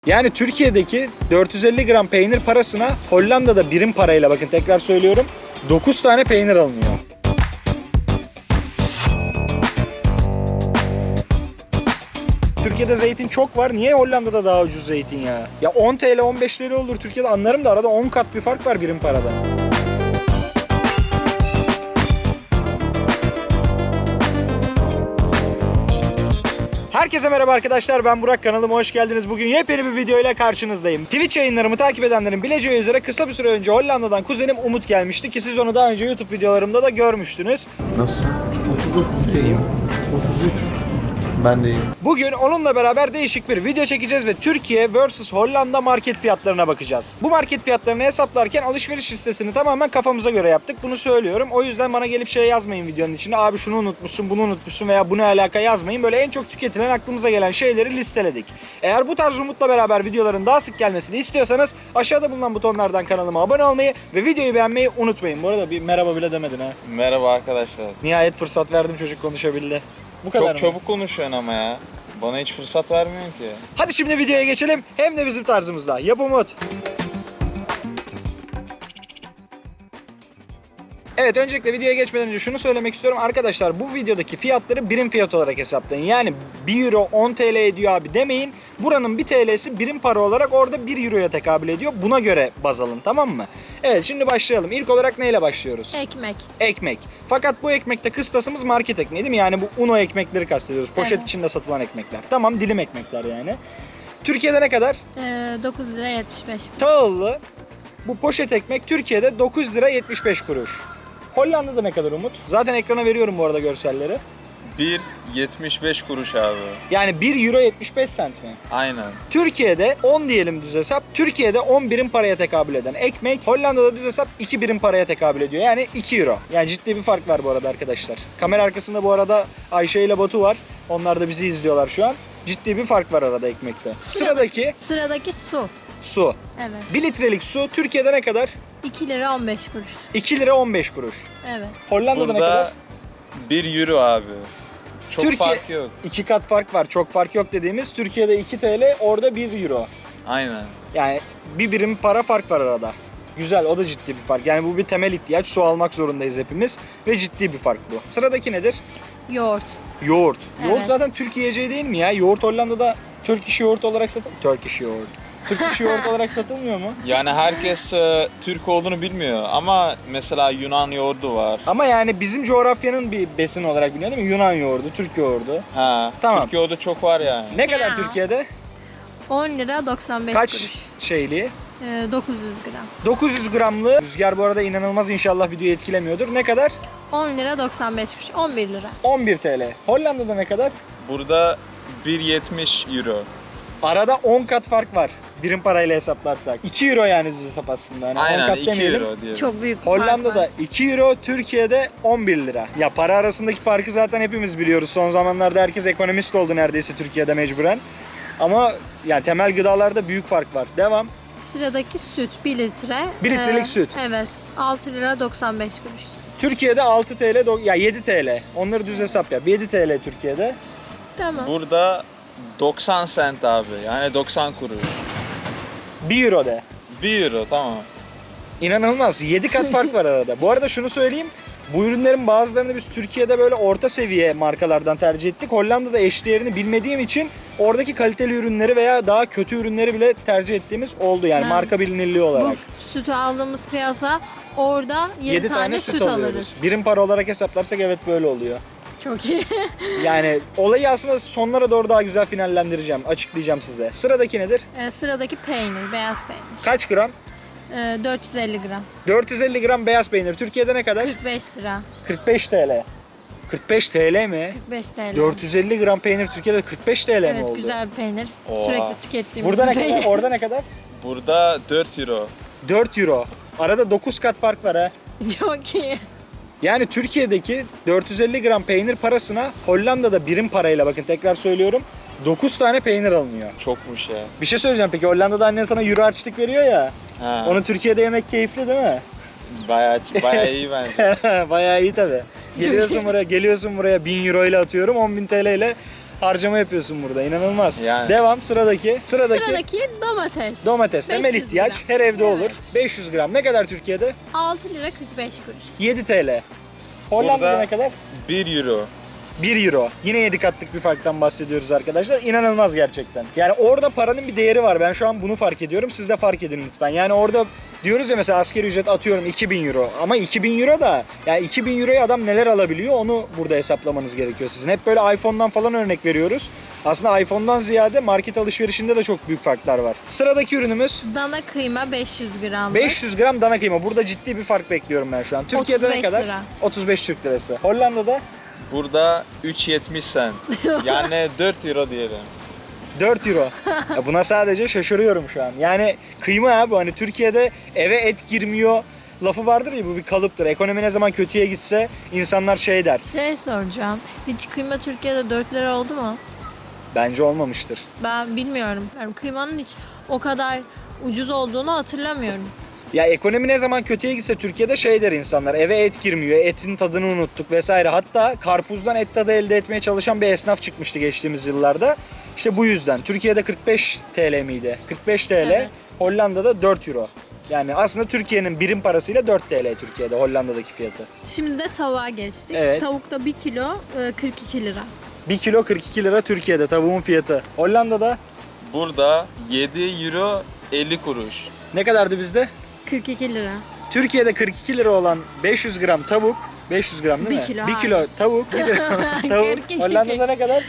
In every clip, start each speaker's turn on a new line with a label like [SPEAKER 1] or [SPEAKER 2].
[SPEAKER 1] Yani Türkiye'deki 450 gram peynir parasına Hollanda'da birim parayla, bakın tekrar söylüyorum, 9 tane peynir alınıyor. Türkiye'de zeytin çok var. Niye Hollanda'da daha ucuz zeytin ya? Ya 10 TL 15 TL olur Türkiye'de, anlarım da arada 10 kat bir fark var birim parada. Herkese merhaba arkadaşlar, ben Burak, kanalıma hoş geldiniz. Bugün yepyeni bir video ile karşınızdayım. Twitch yayınlarımı takip edenlerin bileceği üzere kısa bir süre önce Hollanda'dan kuzenim Umut gelmişti ki siz onu daha önce YouTube videolarımda da görmüştünüz.
[SPEAKER 2] Nasıl? 33 iyiyim. 33. Ben de iyiyim.
[SPEAKER 1] Bugün onunla beraber değişik bir video çekeceğiz ve Türkiye vs Hollanda market fiyatlarına bakacağız. Bu market fiyatlarını hesaplarken alışveriş listesini tamamen kafamıza göre yaptık. Bunu söylüyorum. O yüzden bana gelip şey yazmayın videonun içinde. Abi şunu unutmuşsun, bunu unutmuşsun veya bu ne alaka yazmayın. Böyle en çok tüketilen, aklımıza gelen şeyleri listeledik. Eğer bu tarz Umut'la beraber videoların daha sık gelmesini istiyorsanız aşağıda bulunan butonlardan kanalıma abone olmayı ve videoyu beğenmeyi unutmayın. Bu arada bir merhaba bile demedin ha.
[SPEAKER 3] Merhaba arkadaşlar.
[SPEAKER 1] Nihayet fırsat verdim, çocuk konuşabildi. Bu kadar
[SPEAKER 3] Çok
[SPEAKER 1] mı?
[SPEAKER 3] çabuk konuşuyorsun ama ya. Bana hiç fırsat vermiyorsun ki.
[SPEAKER 1] Hadi şimdi videoya geçelim. Hem de bizim tarzımızda. Yap Umut. Evet, öncelikle videoya geçmeden önce şunu söylemek istiyorum. Arkadaşlar, bu videodaki fiyatları birim fiyat olarak hesaplayın. Yani 1 euro 10 TL ediyor abi demeyin. Buranın 1 TL'si birim para olarak orada 1 euroya tekabül ediyor. Buna göre baz alın, tamam mı? Evet, şimdi başlayalım. İlk olarak neyle başlıyoruz?
[SPEAKER 4] Ekmek.
[SPEAKER 1] Ekmek. Fakat bu ekmekte kıstasımız market ekmeği değil mi? Yani bu Uno ekmekleri kastediyoruz. Poşet
[SPEAKER 4] Evet.
[SPEAKER 1] içinde satılan ekmekler. Tamam, dilim ekmekler yani. Türkiye'de ne kadar?
[SPEAKER 4] 9 lira 75.
[SPEAKER 1] Tahıllı bu poşet ekmek Türkiye'de 9 lira 75 kuruş. Hollanda'da ne kadar Umut? Zaten ekrana veriyorum bu arada görselleri.
[SPEAKER 3] 1,75 kuruş abi.
[SPEAKER 1] Yani 1 euro 75 cent mi?
[SPEAKER 3] Aynen.
[SPEAKER 1] Türkiye'de 10 diyelim düz hesap. Türkiye'de 10 birim paraya tekabül eden ekmek Hollanda'da düz hesap 2 birim paraya tekabül ediyor. Yani 2 euro. Yani ciddi bir fark var bu arada arkadaşlar. Kamera arkasında bu arada Ayşe ile Batu var. Onlar da bizi izliyorlar şu an. Ciddi bir fark var arada ekmekte.
[SPEAKER 4] Sıradaki su.
[SPEAKER 1] Su.
[SPEAKER 4] Evet.
[SPEAKER 1] 1 litrelik su Türkiye'de ne kadar?
[SPEAKER 4] 2 lira 15 kuruş.
[SPEAKER 1] 2 lira 15 kuruş.
[SPEAKER 4] Evet.
[SPEAKER 1] Hollanda'da ne kadar?
[SPEAKER 3] Burada 1 euro abi. Çok
[SPEAKER 1] Türkiye-
[SPEAKER 3] fark yok.
[SPEAKER 1] 2 kat fark var. Çok fark yok dediğimiz, Türkiye'de 2 TL, orada 1 euro.
[SPEAKER 3] Aynen.
[SPEAKER 1] Yani bir birim para fark var arada. Güzel, o da ciddi bir fark. Yani bu bir temel ihtiyaç. Su almak zorundayız hepimiz ve ciddi bir fark bu. Sıradaki nedir?
[SPEAKER 4] Yoğurt.
[SPEAKER 1] Yoğurt. Yoğurt
[SPEAKER 4] Evet.
[SPEAKER 1] zaten Türk yiyeceği değil mi ya? Yoğurt Hollanda'da Turkish yoğurt olarak Turkish yoğurt. Turkish yoğurt olarak satılmıyor mu?
[SPEAKER 3] Yani herkes Türk olduğunu bilmiyor ama mesela Yunan yoğurdu var.
[SPEAKER 1] Ama yani bizim coğrafyanın bir besin olarak biliniyor değil mi? Yunan yoğurdu, Türk yoğurdu.
[SPEAKER 3] Ha,
[SPEAKER 1] Tamam.
[SPEAKER 3] Türk yoğurdu çok var yani.
[SPEAKER 1] Ne kadar
[SPEAKER 4] Ya.
[SPEAKER 1] Türkiye'de?
[SPEAKER 4] 10 lira 95
[SPEAKER 1] Kaç
[SPEAKER 4] kuruş.
[SPEAKER 1] şeyli?
[SPEAKER 4] 900 gram.
[SPEAKER 1] 900 gramlı. Rüzgar bu arada inanılmaz, inşallah videoyu etkilemiyordur. Ne kadar?
[SPEAKER 4] 10 lira 95 kuruş. 11 lira.
[SPEAKER 1] 11 TL. Hollanda'da ne kadar?
[SPEAKER 3] Burada 1,70 euro.
[SPEAKER 1] Arada 10 kat fark var. Birim parayla hesaplarsak. 2 euro yani düz hesap aslında. Yani 10
[SPEAKER 3] Aynen
[SPEAKER 1] kat
[SPEAKER 3] 2
[SPEAKER 1] demeyelim.
[SPEAKER 3] euro diyelim.
[SPEAKER 4] Çok büyük bir fark
[SPEAKER 1] Hollanda'da
[SPEAKER 4] var.
[SPEAKER 1] 2 euro, Türkiye'de 11 lira. Ya para arasındaki farkı zaten hepimiz biliyoruz. Son zamanlarda herkes ekonomist oldu neredeyse Türkiye'de mecburen. Ama yani temel gıdalarda büyük fark var. Devam.
[SPEAKER 4] Sıradaki süt 1 litre.
[SPEAKER 1] 1 litrelik süt.
[SPEAKER 4] Evet. 6 lira 95 kuruş.
[SPEAKER 1] Türkiye'de 6 TL, ya 7 TL. Onları düz hesap yap. 7 TL Türkiye'de.
[SPEAKER 4] Tamam.
[SPEAKER 3] Burada 90 cent abi. Yani 90 kuruş.
[SPEAKER 1] 1 euro de.
[SPEAKER 3] 1 euro tamam.
[SPEAKER 1] İnanılmaz. 7 kat fark var arada. Bu arada şunu söyleyeyim. Bu ürünlerin bazılarını biz Türkiye'de böyle orta seviye markalardan tercih ettik. Hollanda'da eşdeğerini bilmediğim için oradaki kaliteli ürünleri veya daha kötü ürünleri bile tercih ettiğimiz oldu. Yani
[SPEAKER 4] Ha.
[SPEAKER 1] marka bilinirliği olarak.
[SPEAKER 4] Bu sütü aldığımız fiyata orada 7
[SPEAKER 1] 7
[SPEAKER 4] tane süt alırız.
[SPEAKER 1] Birim para olarak hesaplarsak evet böyle oluyor.
[SPEAKER 4] Çok iyi.
[SPEAKER 1] Yani olayı aslında sonlara doğru daha güzel finallendireceğim, açıklayacağım size. Sıradaki nedir?
[SPEAKER 4] Sıradaki peynir, beyaz peynir.
[SPEAKER 1] Kaç gram?
[SPEAKER 4] 450 gram.
[SPEAKER 1] 450 gram beyaz peynir. Türkiye'de ne kadar?
[SPEAKER 4] 45 lira.
[SPEAKER 1] 45 TL. 45 TL mi?
[SPEAKER 4] 45 TL.
[SPEAKER 1] 450 gram peynir Türkiye'de 45 TL mi
[SPEAKER 4] Evet,
[SPEAKER 1] oldu?
[SPEAKER 4] güzel bir peynir.
[SPEAKER 3] Oha.
[SPEAKER 4] Sürekli tükettiğimiz
[SPEAKER 1] Burada ne
[SPEAKER 4] bir peynir.
[SPEAKER 1] kadar? Orada ne kadar?
[SPEAKER 3] Burada 4 euro.
[SPEAKER 1] 4 euro. Arada 9 kat fark var ha.
[SPEAKER 4] Çok iyi.
[SPEAKER 1] Yani Türkiye'deki 450 gram peynir parasına Hollanda'da birim parayla, bakın tekrar söylüyorum, 9 tane peynir alınıyor.
[SPEAKER 3] Çokmuş ya.
[SPEAKER 1] Bir şey söyleyeceğim, peki Hollanda'da annen sana euro harçlık veriyor ya.
[SPEAKER 3] Ha.
[SPEAKER 1] Onu Türkiye'de yemek keyifli değil mi?
[SPEAKER 3] Bayağı iyi bence.
[SPEAKER 1] Bayağı iyi tabii. Geliyorsun buraya 1000 euro ile atıyorum, 10.000 TL ile harcama yapıyorsun burada. İnanılmaz.
[SPEAKER 3] Yani.
[SPEAKER 1] Devam sıradaki.
[SPEAKER 4] Sıradaki domates.
[SPEAKER 1] Domates temel
[SPEAKER 4] 500
[SPEAKER 1] ihtiyaç.
[SPEAKER 4] gram.
[SPEAKER 1] Her evde
[SPEAKER 4] Evet.
[SPEAKER 1] olur. 500 gram. Ne kadar Türkiye'de?
[SPEAKER 4] 6 lira 45 kuruş.
[SPEAKER 1] 7 TL. Hollanda'da
[SPEAKER 3] Burada-
[SPEAKER 1] ne kadar?
[SPEAKER 3] 1 euro.
[SPEAKER 1] 1 euro. Yine 7 katlık bir farktan bahsediyoruz arkadaşlar. İnanılmaz gerçekten. Yani orada paranın bir değeri var. Ben şu an bunu fark ediyorum. Siz de fark edin lütfen. Yani orada diyoruz ya mesela asgari ücret atıyorum 2000 euro. Ama 2000 euro da yani 2000 euroya adam neler alabiliyor onu burada hesaplamanız gerekiyor sizin. Hep böyle iPhone'dan falan örnek veriyoruz. Aslında iPhone'dan ziyade market alışverişinde de çok büyük farklar var. Sıradaki ürünümüz
[SPEAKER 4] Dana kıyma 500 gram.
[SPEAKER 1] 500 gram dana kıyma. Burada ciddi bir fark bekliyorum ben şu an. Türkiye'de ne
[SPEAKER 4] 35
[SPEAKER 1] kadar?
[SPEAKER 4] lira.
[SPEAKER 1] 35 Türk lirası. Hollanda'da
[SPEAKER 3] Burada 3.70 cent. Yani 4 euro diyelim.
[SPEAKER 1] 4 euro. Ya buna sadece şaşırıyorum şu an. Yani kıyma abi hani Türkiye'de eve et girmiyor lafı vardır ya, bu bir kalıptır. Ekonomi ne zaman kötüye gitse insanlar şey der.
[SPEAKER 4] Şey soracağım. Hiç kıyma Türkiye'de 4 lira oldu mu?
[SPEAKER 1] Bence olmamıştır.
[SPEAKER 4] Ben bilmiyorum. Yani kıymanın hiç o kadar ucuz olduğunu hatırlamıyorum.
[SPEAKER 1] Ya ekonomi ne zaman kötüye gitse Türkiye'de şey der insanlar. Eve et girmiyor, etin tadını unuttuk vesaire. Hatta karpuzdan et tadı elde etmeye çalışan bir esnaf çıkmıştı geçtiğimiz yıllarda. İşte bu yüzden. Türkiye'de 45 TL miydi? 45 TL,
[SPEAKER 4] Evet.
[SPEAKER 1] Hollanda'da 4 euro. Yani aslında Türkiye'nin birim parasıyla 4 TL Türkiye'de, Hollanda'daki fiyatı.
[SPEAKER 4] Şimdi de tavuğa geçtik.
[SPEAKER 1] Evet.
[SPEAKER 4] Tavukta 1 kilo 42 lira.
[SPEAKER 1] 1 kilo 42 lira Türkiye'de tavuğun fiyatı. Hollanda'da
[SPEAKER 3] Burada 7 euro 50 kuruş.
[SPEAKER 1] ne kadardı bizde?
[SPEAKER 4] 42 lira.
[SPEAKER 1] Türkiye'de 42 lira olan 500 gram tavuk, 500 gram değil mi?
[SPEAKER 4] 1 kilo,
[SPEAKER 1] 1 kilo tavuk, 1 lira tavuk.
[SPEAKER 4] 42.
[SPEAKER 1] Hollanda'da ne kadar?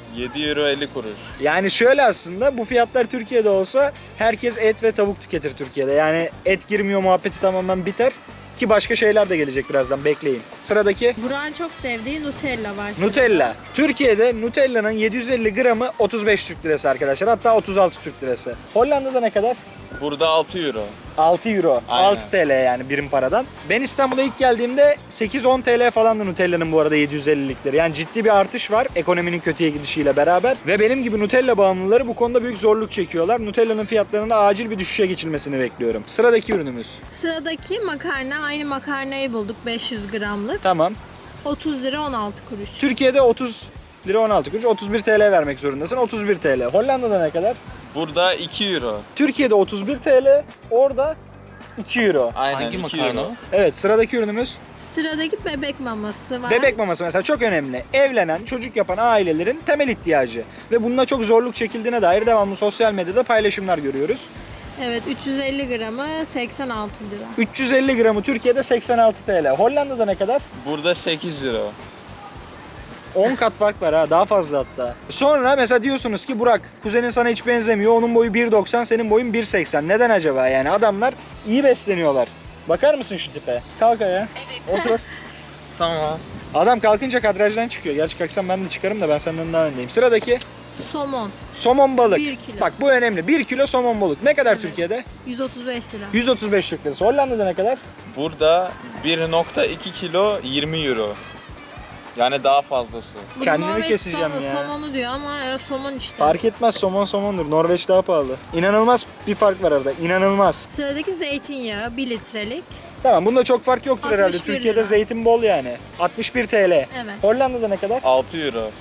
[SPEAKER 3] 7 euro 50 kuruş.
[SPEAKER 1] Yani şöyle aslında bu fiyatlar Türkiye'de olsa herkes et ve tavuk tüketir Türkiye'de. Yani et girmiyor muhabbeti tamamen biter. Ki başka şeyler de gelecek birazdan, bekleyin. Sıradaki
[SPEAKER 4] Burak'ın çok sevdiği Nutella var.
[SPEAKER 1] Nutella. Türkiye'de Nutella'nın 750 gramı 35 Türk lirası arkadaşlar. Hatta 36 Türk lirası. Hollanda'da ne kadar?
[SPEAKER 3] Burada 6 euro.
[SPEAKER 1] 6 euro.
[SPEAKER 3] Aynen.
[SPEAKER 1] 6 TL yani birim paradan. Ben İstanbul'a ilk geldiğimde 8-10 TL falandı Nutella'nın bu arada 750'likleri. Yani ciddi bir artış var ekonominin kötüye gidişiyle beraber. Ve benim gibi Nutella bağımlıları bu konuda büyük zorluk çekiyorlar. Nutella'nın fiyatlarında acil bir düşüşe geçilmesini bekliyorum. Sıradaki ürünümüz.
[SPEAKER 4] Sıradaki makarna. Aynı makarnayı bulduk 500 gramlık.
[SPEAKER 1] Tamam.
[SPEAKER 4] 30 lira 16 kuruş.
[SPEAKER 1] Türkiye'de 30 lira 16 kuruş. 31 TL vermek zorundasın. 31 TL. Hollanda'da ne kadar?
[SPEAKER 3] Burada 2 euro.
[SPEAKER 1] Türkiye'de 31 TL. Orada 2 euro.
[SPEAKER 3] Aynen
[SPEAKER 2] Hangi
[SPEAKER 3] 2
[SPEAKER 2] makarna
[SPEAKER 3] euro.
[SPEAKER 2] o?
[SPEAKER 1] Evet, sıradaki ürünümüz.
[SPEAKER 4] Sıradaki bebek maması var.
[SPEAKER 1] Bebek maması mesela çok önemli. Evlenen, çocuk yapan ailelerin temel ihtiyacı. Ve bununla çok zorluk çekildiğine dair devamlı sosyal medyada paylaşımlar görüyoruz.
[SPEAKER 4] Evet 350 gramı 86 lira.
[SPEAKER 1] 350 gramı Türkiye'de 86 TL. Hollanda'da ne kadar?
[SPEAKER 3] Burada 8 euro.
[SPEAKER 1] 10 kat fark var ha, daha fazla hatta. Sonra mesela diyorsunuz ki Burak, kuzenin sana hiç benzemiyor. Onun boyu 1.90, senin boyun 1.80. Neden acaba? Yani adamlar iyi besleniyorlar. Bakar mısın şu tipe? Kalk ayağa. Otur.
[SPEAKER 3] Tamam.
[SPEAKER 1] Adam kalkınca kadrajdan çıkıyor. Gerçi kalksam ben de çıkarım da ben senden daha öndeyim. Sıradaki
[SPEAKER 4] Somon
[SPEAKER 1] somon balık.
[SPEAKER 4] 1 kilo.
[SPEAKER 1] Bak bu önemli. 1 kilo somon balık. Ne kadar
[SPEAKER 4] Evet.
[SPEAKER 1] Türkiye'de?
[SPEAKER 4] 135 lira.
[SPEAKER 1] 135 Türk lirası. Hollanda'da ne kadar?
[SPEAKER 3] Burada 1.2 kilo 20 euro. Yani daha fazlası.
[SPEAKER 4] Bu
[SPEAKER 1] Kendimi
[SPEAKER 4] Norveç
[SPEAKER 1] keseceğim ya.
[SPEAKER 4] Somonu diyor ama somon işte.
[SPEAKER 1] Fark etmez, somon somondur. Norveç daha pahalı. İnanılmaz bir fark var arada. İnanılmaz.
[SPEAKER 4] Sıradaki zeytinyağı 1 litrelik.
[SPEAKER 1] Tamam, bunda çok fark yoktur
[SPEAKER 4] 61
[SPEAKER 1] herhalde.
[SPEAKER 4] lira.
[SPEAKER 1] Türkiye'de zeytin bol yani. 61 TL.
[SPEAKER 4] Evet.
[SPEAKER 1] Hollanda'da ne kadar?
[SPEAKER 3] 6 euro.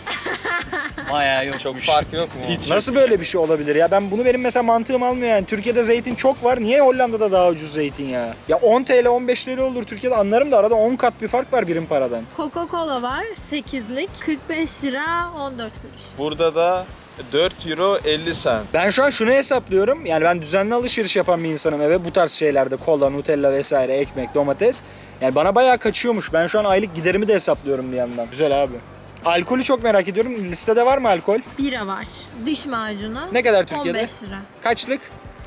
[SPEAKER 2] Bayağı yok.
[SPEAKER 3] Çok fark yok mu? Hiç.
[SPEAKER 1] Nasıl böyle bir şey olabilir ya? Benim mesela mantığım almıyor yani. Türkiye'de zeytin çok var. Niye Hollanda'da daha ucuz zeytin ya? Ya 10 TL 15 TL olur Türkiye'de, anlarım da arada 10 kat bir fark var birim paradan.
[SPEAKER 4] Coca-Cola var 8'lik 45 lira 14 kuruş.
[SPEAKER 3] Burada da 4 euro 50 cent.
[SPEAKER 1] Ben şu an şunu hesaplıyorum. Yani ben düzenli alışveriş yapan bir insanım eve. Bu tarz şeylerde kola, Nutella vesaire, ekmek, domates. Yani bana bayağı kaçıyormuş. Ben şu an aylık giderimi de hesaplıyorum bir yandan. Güzel abi. Alkolü çok merak ediyorum. Listede var mı alkol?
[SPEAKER 4] Bira var. Diş macunu.
[SPEAKER 1] Ne kadar Türkiye'de?
[SPEAKER 4] 15 lira.
[SPEAKER 1] Kaçlık?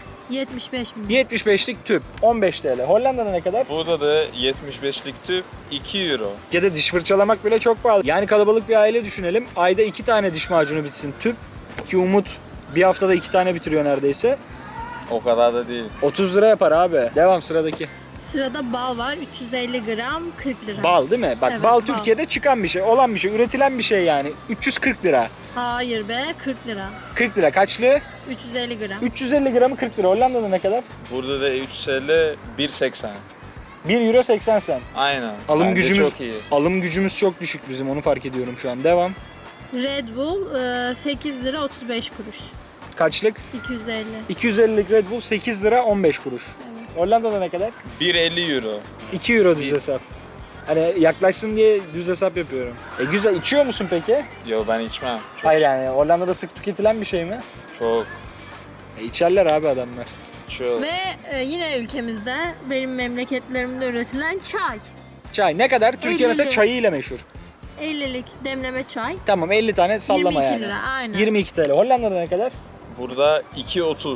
[SPEAKER 4] 75 milyon.
[SPEAKER 1] 75'lik tüp. 15 TL. Hollanda'da ne kadar?
[SPEAKER 3] Burada da 75'lik tüp 2 euro.
[SPEAKER 1] Türkiye'de diş fırçalamak bile çok pahalı. Yani kalabalık bir aile düşünelim. Ayda 2 tane diş macunu bitsin tüp. Ki Umut bir haftada 2 tane bitiriyor neredeyse.
[SPEAKER 3] O kadar da değil.
[SPEAKER 1] 30 lira yapar abi. Devam sıradaki.
[SPEAKER 4] Sırada bal var 350 gram 40 lira.
[SPEAKER 1] Bal değil mi? Bak
[SPEAKER 4] Evet,
[SPEAKER 1] bal
[SPEAKER 4] bal.
[SPEAKER 1] Türkiye'de çıkan bir şey, olan bir şey, üretilen bir şey yani. 340 lira.
[SPEAKER 4] Hayır be 40 lira.
[SPEAKER 1] 40 lira kaçlı?
[SPEAKER 4] 350 gram.
[SPEAKER 1] 350 gramı 40 lira. Hollanda'da ne kadar?
[SPEAKER 3] Burada da 350 1.80.
[SPEAKER 1] 1 euro 80 cent.
[SPEAKER 3] Aynen.
[SPEAKER 1] Alım
[SPEAKER 3] Bence
[SPEAKER 1] gücümüz
[SPEAKER 3] çok iyi.
[SPEAKER 1] alım gücümüz çok düşük bizim, onu fark ediyorum şu an. Devam.
[SPEAKER 4] Red Bull 8 lira 35 kuruş.
[SPEAKER 1] Kaçlık?
[SPEAKER 4] 250.
[SPEAKER 1] 250'lik Red Bull 8 lira 15 kuruş.
[SPEAKER 4] Evet.
[SPEAKER 1] Hollanda'da ne kadar?
[SPEAKER 3] 1.50 euro.
[SPEAKER 1] 2 euro düz hesap. Hani yaklaşsın diye düz hesap yapıyorum. Güzel. İçiyor musun peki?
[SPEAKER 3] Yo ben içmem. Çok,
[SPEAKER 1] Hayır yani Hollanda'da sık tüketilen bir şey mi?
[SPEAKER 3] Çok.
[SPEAKER 1] İçerler abi adamlar.
[SPEAKER 3] Çok.
[SPEAKER 4] Ve yine ülkemizde benim memleketlerimde üretilen çay.
[SPEAKER 1] Çay ne kadar? Türkiye mesela
[SPEAKER 4] 50'li.
[SPEAKER 1] çayıyla meşhur.
[SPEAKER 4] 50'lik demleme çay.
[SPEAKER 1] Tamam 50 tane sallama
[SPEAKER 4] 22
[SPEAKER 1] yani.
[SPEAKER 4] lira aynen.
[SPEAKER 1] 22 TL. Hollanda'da ne kadar?
[SPEAKER 3] Burada 2.30.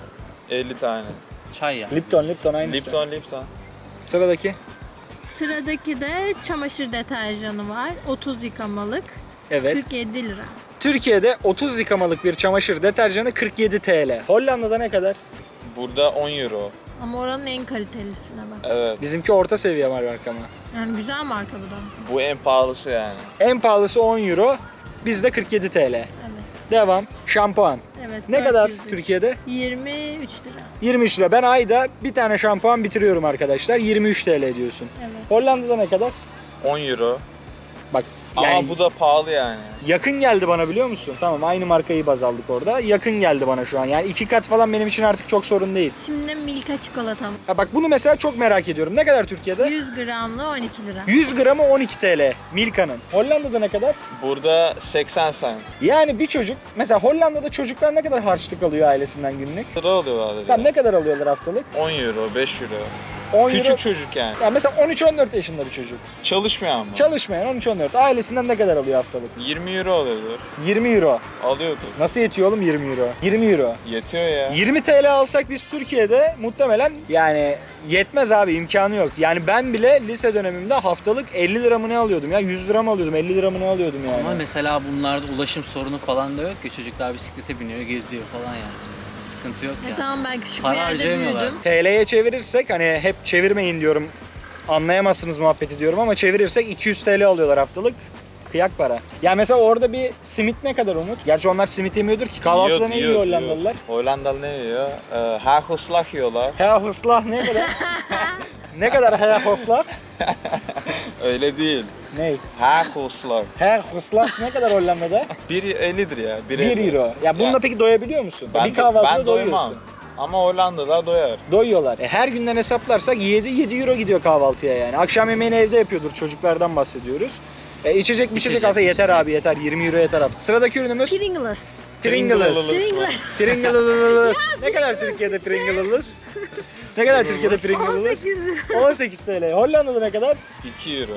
[SPEAKER 3] 50 tane.
[SPEAKER 2] Çay ya.
[SPEAKER 1] Lipton aynısı.
[SPEAKER 3] Lipton.
[SPEAKER 1] Sıradaki.
[SPEAKER 4] Sıradaki de çamaşır deterjanı var. 30 yıkamalık.
[SPEAKER 1] Evet.
[SPEAKER 4] 47 lira.
[SPEAKER 1] Türkiye'de 30 yıkamalık bir çamaşır deterjanı 47 TL. Hollanda'da ne kadar?
[SPEAKER 3] Burada 10 euro.
[SPEAKER 4] Ama oranın en kalitelisine bak.
[SPEAKER 3] Evet.
[SPEAKER 1] Bizimki orta seviye marka mı?
[SPEAKER 4] Yani güzel marka bu da.
[SPEAKER 3] Bu en pahalısı yani.
[SPEAKER 1] En pahalısı 10 euro. Bizde 47 TL.
[SPEAKER 4] Evet.
[SPEAKER 1] Devam. Şampuan.
[SPEAKER 4] Evet.
[SPEAKER 1] Ne kadar
[SPEAKER 4] 400 lira.
[SPEAKER 1] Türkiye'de?
[SPEAKER 4] 23 lira.
[SPEAKER 1] 23 lira. Ben ayda bir tane şampuan bitiriyorum arkadaşlar. 23 TL diyorsun.
[SPEAKER 4] Evet.
[SPEAKER 1] Hollanda'da ne kadar?
[SPEAKER 3] 10 euro.
[SPEAKER 1] Bak
[SPEAKER 3] Ama
[SPEAKER 1] yani
[SPEAKER 3] bu da pahalı yani.
[SPEAKER 1] yakın geldi bana biliyor musun? Tamam aynı markayı baz aldık orada. Yakın geldi bana şu an. Yani 2 kat falan benim için artık çok sorun değil.
[SPEAKER 4] Şimdi de Milka çikolatam.
[SPEAKER 1] Ha bak bunu mesela çok merak ediyorum. Ne kadar Türkiye'de?
[SPEAKER 4] 100 gramlı 12 lira.
[SPEAKER 1] 100 gramı 12 TL Milka'nın. Hollanda'da ne kadar?
[SPEAKER 3] Burada 80 cent.
[SPEAKER 1] Yani bir çocuk, mesela Hollanda'da çocuklar ne kadar harçlık alıyor ailesinden günlük?
[SPEAKER 3] Lira oluyorlar.
[SPEAKER 1] Tam ne kadar alıyorlar haftalık?
[SPEAKER 3] 10 euro, 5 euro.
[SPEAKER 1] 10
[SPEAKER 3] Küçük
[SPEAKER 1] euro.
[SPEAKER 3] çocuk yani.
[SPEAKER 1] Ya mesela 13-14 yaşında bir çocuk.
[SPEAKER 3] Çalışmıyor ama.
[SPEAKER 1] Çalışmayan 13-14. Ailesinden ne kadar alıyor haftalık?
[SPEAKER 3] 20 euro alıyordur.
[SPEAKER 1] 20 euro.
[SPEAKER 3] Alıyordu.
[SPEAKER 1] Nasıl yetiyor oğlum 20 euro? 20 euro.
[SPEAKER 3] Yetiyor ya.
[SPEAKER 1] 20 TL alsak biz Türkiye'de muhtemelen yani yetmez abi imkanı yok. Yani ben bile lise dönemimde haftalık 50 lira mı ne alıyordum ya 100 lira mı alıyordum 50 lira mı ne alıyordum yani.
[SPEAKER 2] Ama mesela bunlarda ulaşım sorunu falan da yok ki. Çocuklar bisiklete biniyor, geziyor falan yani. Sıkıntı yok yani.
[SPEAKER 4] Tamam ben küçük
[SPEAKER 2] Para
[SPEAKER 4] bir yerde
[SPEAKER 2] harcayamıyorlar.
[SPEAKER 4] büyüdüm.
[SPEAKER 1] TL'ye çevirirsek hani hep çevirmeyin diyorum. Anlayamazsınız muhabbeti diyorum ama çevirirsek 200 TL alıyorlar haftalık. Kıyak para. Ya mesela orada bir simit ne kadar Umut? Gerçi onlar simit yemiyordur ki. Kahvaltıda ne yiyor Hollandalılar?
[SPEAKER 3] Hollandalı ne yiyor? Hagelslag yiyorlar.
[SPEAKER 1] Hoslah ne kadar? Ne kadar hoslah?
[SPEAKER 3] Öyle değil.
[SPEAKER 1] Ne?
[SPEAKER 3] Hagelslag.
[SPEAKER 1] Hoslah ne kadar Hollanda'da?
[SPEAKER 3] 1.50'dir ya.
[SPEAKER 1] 1 euro. Ya bununla peki doyabiliyor musun? Bir kahvaltıda
[SPEAKER 3] ben
[SPEAKER 1] doyuyorsun.
[SPEAKER 3] doymam. Ama Hollandalılar doyar.
[SPEAKER 1] Doyuyorlar. Her günden hesaplarsak 7 euro gidiyor kahvaltıya yani. Akşam yemeğini evde yapıyordur. Çocuklardan bahsediyoruz. İçecek alsa yeter abi yeter. 20 euro yeter hafta. Sıradaki ürünümüz
[SPEAKER 4] Pringles.
[SPEAKER 1] Pringles.
[SPEAKER 4] Pringles.
[SPEAKER 1] Pringles. Ne kadar Türkiye'de Pringles? Ne kadar Türkiye'de Pringles?
[SPEAKER 4] 18 lira.
[SPEAKER 1] 18 TL. Hollanda'da ne kadar?
[SPEAKER 3] 2 euro.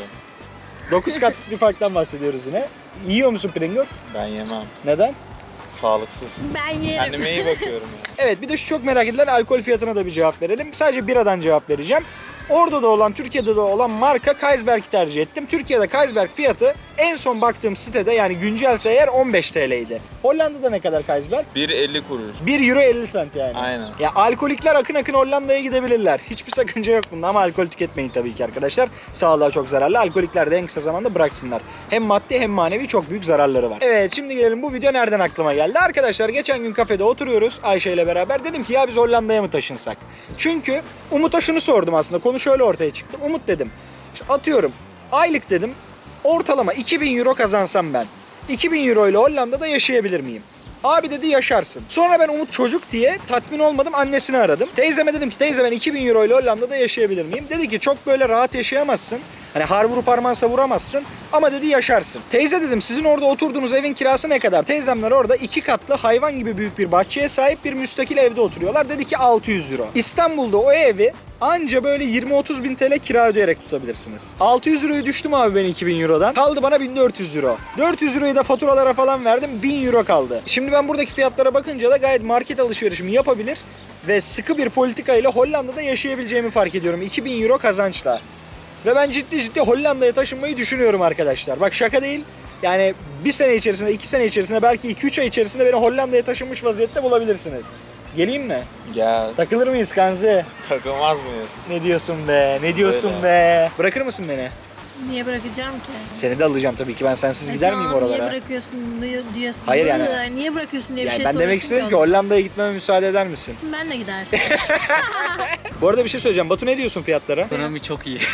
[SPEAKER 1] 9 kat bir farktan bahsediyoruz yine. Yiyor musun Pringles?
[SPEAKER 3] Ben yemem.
[SPEAKER 1] Neden?
[SPEAKER 3] Sağlıksız.
[SPEAKER 4] Ben yerim.
[SPEAKER 3] Kendime iyi bakıyorum ya.
[SPEAKER 1] Evet bir de şu çok merak edilen alkol fiyatına da bir cevap verelim. Sadece biradan cevap vereceğim. Orada da olan, Türkiye'de de olan marka Carlsberg'i tercih ettim. Türkiye'de Carlsberg fiyatı en son baktığım sitede yani güncelse eğer 15 TL'ydi. Hollanda'da ne kadar Carlsberg?
[SPEAKER 3] 1.50 kuruş.
[SPEAKER 1] 1 euro 50 cent yani.
[SPEAKER 3] Aynen.
[SPEAKER 1] Ya alkolikler akın akın Hollanda'ya gidebilirler. Hiçbir sakınca yok bunda ama alkol tüketmeyin tabii ki arkadaşlar. Sağlığa çok zararlı. Alkolikler de en kısa zamanda bıraksınlar. Hem maddi hem manevi çok büyük zararları var. Evet şimdi gelelim bu video nereden aklıma geldi? Arkadaşlar geçen gün kafede oturuyoruz Ayşe ile beraber. Dedim ki ya biz Hollanda'ya mı taşınsak? Çünkü Umut'a şunu sordum aslında. Konu şöyle ortaya çıktı. Umut dedim. İşte atıyorum aylık dedim. Ortalama 2000 euro kazansam ben. 2000 euro ile Hollanda'da yaşayabilir miyim? Abi dedi yaşarsın. Sonra ben Umut çocuk diye tatmin olmadım annesini aradım. Teyzeme dedim ki teyze ben 2000 euro ile Hollanda'da yaşayabilir miyim? Dedi ki çok böyle rahat yaşayamazsın. Hani har vurup harman savuramazsın ama dedi yaşarsın. Teyze dedim sizin orada oturduğunuz evin kirası ne kadar? Teyzemler orada 2 katlı hayvan gibi büyük bir bahçeye sahip bir müstakil evde oturuyorlar. Dedi ki 600 euro. İstanbul'da o evi anca böyle 20-30 bin TL kira ödeyerek tutabilirsiniz. 600 euroyu düştüm abi ben 2000 eurodan. Kaldı bana 1400 euro. 400 euroyu da faturalara falan verdim. 1000 euro kaldı. Şimdi ben buradaki fiyatlara bakınca da gayet market alışverişimi yapabilir ve sıkı bir politika ile Hollanda'da yaşayabileceğimi fark ediyorum. 2000 euro kazançla. Ve ben ciddi Hollanda'ya taşınmayı düşünüyorum arkadaşlar. Bak şaka değil. Yani bir sene içerisinde, 2 sene içerisinde, belki 2-3 ay içerisinde beni Hollanda'ya taşınmış vaziyette bulabilirsiniz. Geleyim mi?
[SPEAKER 3] Gel.
[SPEAKER 1] Takılır mıyız Kanzi?
[SPEAKER 3] Takılmaz mıyız?
[SPEAKER 1] Ne diyorsun be? Ne diyorsun
[SPEAKER 3] Öyle.
[SPEAKER 1] be? Bırakır mısın beni?
[SPEAKER 4] Niye bırakacağım ki?
[SPEAKER 1] Seni de alacağım tabii ki. Ben sensiz gider miyim
[SPEAKER 4] Tamam,
[SPEAKER 1] oralara?
[SPEAKER 4] Niye bırakıyorsun diyorsun.
[SPEAKER 1] Hayır yani.
[SPEAKER 4] Niye bırakıyorsun diye bir
[SPEAKER 1] Yani
[SPEAKER 4] şey
[SPEAKER 1] ben demek
[SPEAKER 4] soruyorsun
[SPEAKER 1] istedim ki
[SPEAKER 4] ona.
[SPEAKER 1] Hollanda'ya gitmeme müsaade eder misin?
[SPEAKER 4] Ben de gidersin.
[SPEAKER 1] Bu arada bir şey söyleyeceğim. Batu ne diyorsun fiyatlara?
[SPEAKER 2] Ekonomi çok iyi.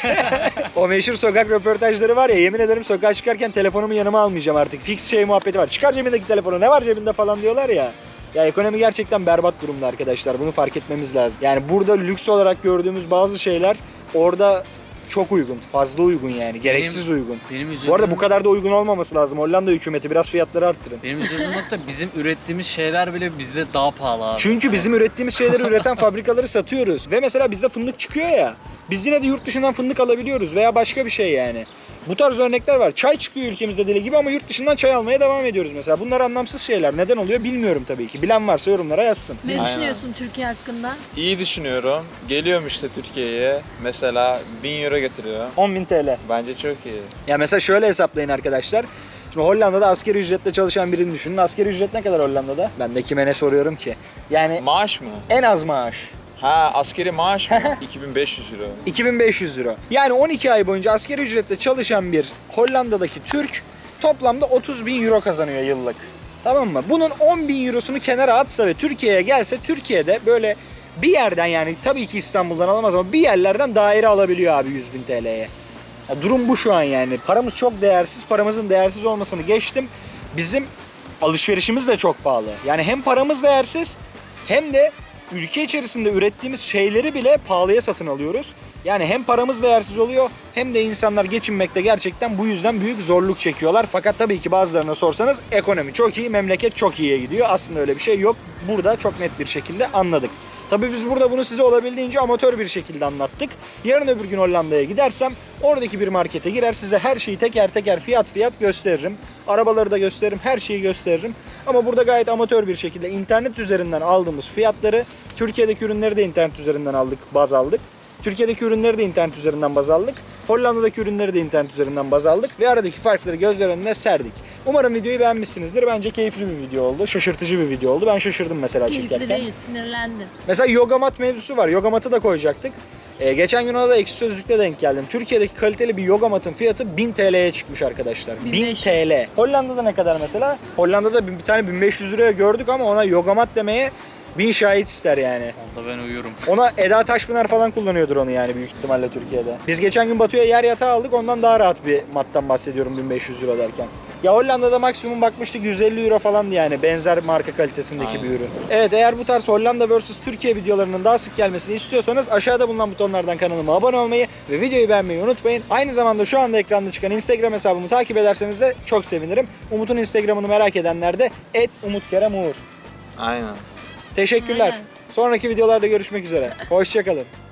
[SPEAKER 1] O meşhur sokak röportajları var ya, yemin ederim sokağa çıkarken telefonumu yanıma almayacağım artık. Fix şey muhabbeti var. Çıkar cebindeki telefonu, ne var cebinde falan diyorlar ya. Ya ekonomi gerçekten berbat durumda arkadaşlar. Bunu fark etmemiz lazım. Yani burada lüks olarak gördüğümüz bazı şeyler orada çok uygun. Fazla uygun yani. Gereksiz uygun.
[SPEAKER 2] Benim üzüldüğüm,
[SPEAKER 1] Bu arada bu kadar da uygun olmaması lazım. Hollanda hükümeti biraz fiyatları arttırın.
[SPEAKER 2] Benim üzüldüğüm nokta bizim ürettiğimiz şeyler bile bizde daha pahalı abi.
[SPEAKER 1] Çünkü bizim ürettiğimiz şeyleri üreten fabrikaları satıyoruz. Ve mesela bizde fındık çıkıyor ya. Biz yine de yurt dışından fındık alabiliyoruz veya başka bir şey yani. Bu tarz örnekler var. Çay çıkıyor ülkemizde deli gibi ama yurt dışından çay almaya devam ediyoruz mesela. Bunlar anlamsız şeyler. Neden oluyor bilmiyorum tabii ki. Bilen varsa yorumlara yazsın.
[SPEAKER 4] Ne
[SPEAKER 3] Aynen.
[SPEAKER 4] düşünüyorsun Türkiye hakkında?
[SPEAKER 3] İyi düşünüyorum. Geliyorum işte Türkiye'ye. Mesela 1000 euro getiriyor.
[SPEAKER 1] 10.000 TL.
[SPEAKER 3] Bence çok iyi.
[SPEAKER 1] Ya mesela şöyle hesaplayın arkadaşlar. Şimdi Hollanda'da asgari ücretle çalışan birini düşünün. Asgari ücret ne kadar Hollanda'da? Ben de kime ne soruyorum ki? Yani
[SPEAKER 3] Maaş mı?
[SPEAKER 1] en az maaş.
[SPEAKER 3] Ha, askeri maaş mı? 2500 euro.
[SPEAKER 1] 2500 euro. Yani 12 ay boyunca asgari ücretle çalışan bir Hollanda'daki Türk toplamda 30.000 euro kazanıyor yıllık. Tamam mı? Bunun 10.000 eurosunu kenara atsa ve Türkiye'ye gelse, Türkiye'de böyle bir yerden, yani tabii ki İstanbul'dan alamaz ama bir yerlerden daire alabiliyor abi 100.000 TL'ye. Ya durum bu şu an yani. Paramız çok değersiz. Paramızın değersiz olmasını geçtim. Bizim alışverişimiz de çok pahalı. Yani hem paramız değersiz hem de ülke içerisinde ürettiğimiz şeyleri bile pahalıya satın alıyoruz. Yani hem paramız değersiz oluyor hem de insanlar geçinmekte gerçekten bu yüzden büyük zorluk çekiyorlar. Fakat tabii ki bazılarına sorsanız ekonomi çok iyi, memleket çok iyiye gidiyor. Aslında öyle bir şey yok. Burada çok net bir şekilde anladık. Tabii biz burada bunu size olabildiğince amatör bir şekilde anlattık. Yarın öbür gün Hollanda'ya gidersem oradaki bir markete girer size her şeyi teker teker fiyat gösteririm. Arabaları da gösteririm, her şeyi gösteririm. Ama burada gayet amatör bir şekilde internet üzerinden aldığımız fiyatları, Türkiye'deki ürünleri de internet üzerinden baz aldık. Türkiye'deki ürünleri de internet üzerinden baz aldık. Hollanda'daki ürünleri de internet üzerinden baz aldık ve aradaki farkları gözler önüne serdik. Umarım videoyu beğenmişsinizdir. Bence keyifli bir video oldu. Şaşırtıcı bir video oldu. Ben şaşırdım mesela
[SPEAKER 4] Keyifli
[SPEAKER 1] çekerken.
[SPEAKER 4] değil, sinirlendim.
[SPEAKER 1] Mesela yoga mat mevzusu var. Yoga matı da koyacaktık. Geçen gün ona da Ekşi Sözlük'te denk geldim. Türkiye'deki kaliteli bir yoga matın fiyatı 1000 TL'ye çıkmış arkadaşlar. 1000
[SPEAKER 4] 1500.
[SPEAKER 1] TL. Hollanda'da ne kadar mesela? Hollanda'da bir tane 1500 liraya gördük ama ona yoga mat demeye 1000 şahit ister yani.
[SPEAKER 2] Onda ben uyurum.
[SPEAKER 1] Ona Eda Taşpınar falan kullanıyordur onu yani büyük ihtimalle Türkiye'de. Biz geçen gün Batu'ya yer yatağı aldık. Ondan daha rahat bir mattan bahsediyorum 1500 euro derken. Ya Hollanda'da maksimum bakmıştık 150 euro falandı yani benzer marka kalitesindeki
[SPEAKER 3] Aynen.
[SPEAKER 1] bir ürün. Evet, eğer bu tarz Hollanda vs Türkiye videolarının daha sık gelmesini istiyorsanız aşağıda bulunan butonlardan kanalıma abone olmayı ve videoyu beğenmeyi unutmayın. Aynı zamanda şu anda ekranda çıkan Instagram hesabımı takip ederseniz de çok sevinirim. Umut'un Instagram'ını merak edenler de @umutkeremur.
[SPEAKER 3] Aynen.
[SPEAKER 1] Teşekkürler.
[SPEAKER 4] Aynen.
[SPEAKER 1] Sonraki videolarda görüşmek üzere. Hoşça kalın.